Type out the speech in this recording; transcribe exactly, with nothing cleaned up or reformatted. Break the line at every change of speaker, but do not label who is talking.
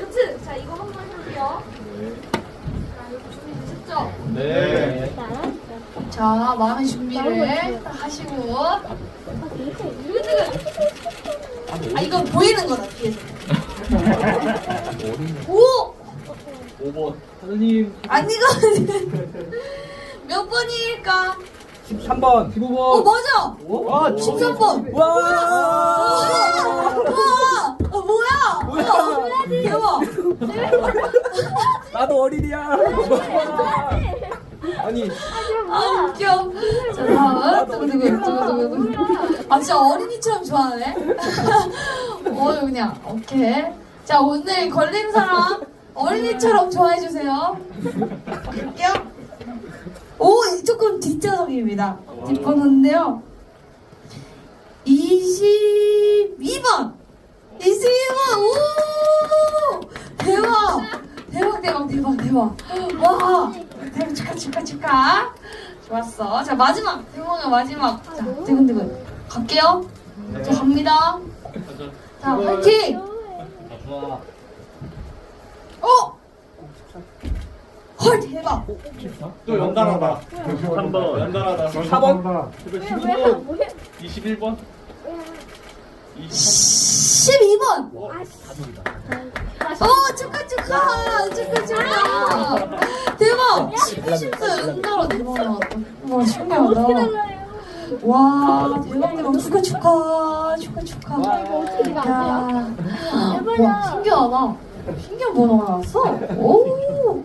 그치? 자, 이거 한번 해볼게요. 자, 이거 준비되셨죠?
네.
자, 마음의 준비를 딱 하시고. 아, 이거 보이는 거다, 뒤에서. 오!
오 번. 선생님.
아니가 몇 번일까?
십삼 번. 십오 번.
어, 맞아!
와,
십삼 번!
와!
와! 와! 어, 뭐야?
뭐야?
대박!
나도 어린이야. 아니.
아, 웃겨. 자, 다음. 두구두구, 두구두구. 아, 진짜 어린이처럼 좋아하네. 어, 그냥, 오케이. 자, 오늘 걸린 사람 어린이처럼 좋아해주세요. 갈게요. 오, 조금 뒷좌석입니다. 뒷번호인데요. 이십이 번! 이십이 번! 오! 대박! 대박, 대박, 대박, 대박. 와! 대박, 축하, 축하, 축하. 좋았어. 자, 마지막. 대박의 마지막. 자, 두근두근. 갈게요. 자, 갑니다. 자, 화이팅!
좋아.
어? 헐, 대박.
또 연달아다.
한 번.
연달아다. 사 번. 십일 번. 이십일 번.
십이 번!
어,
어, 축하, 축하! 축하, 축하! 대박! 십이 은가로 대박 나왔다. 와, 신기하다. 와, 대박, 대박. 축하, 축하. 축하, 축하. 야, 와, 신기하다. 신기한 번호가 나왔어? 오.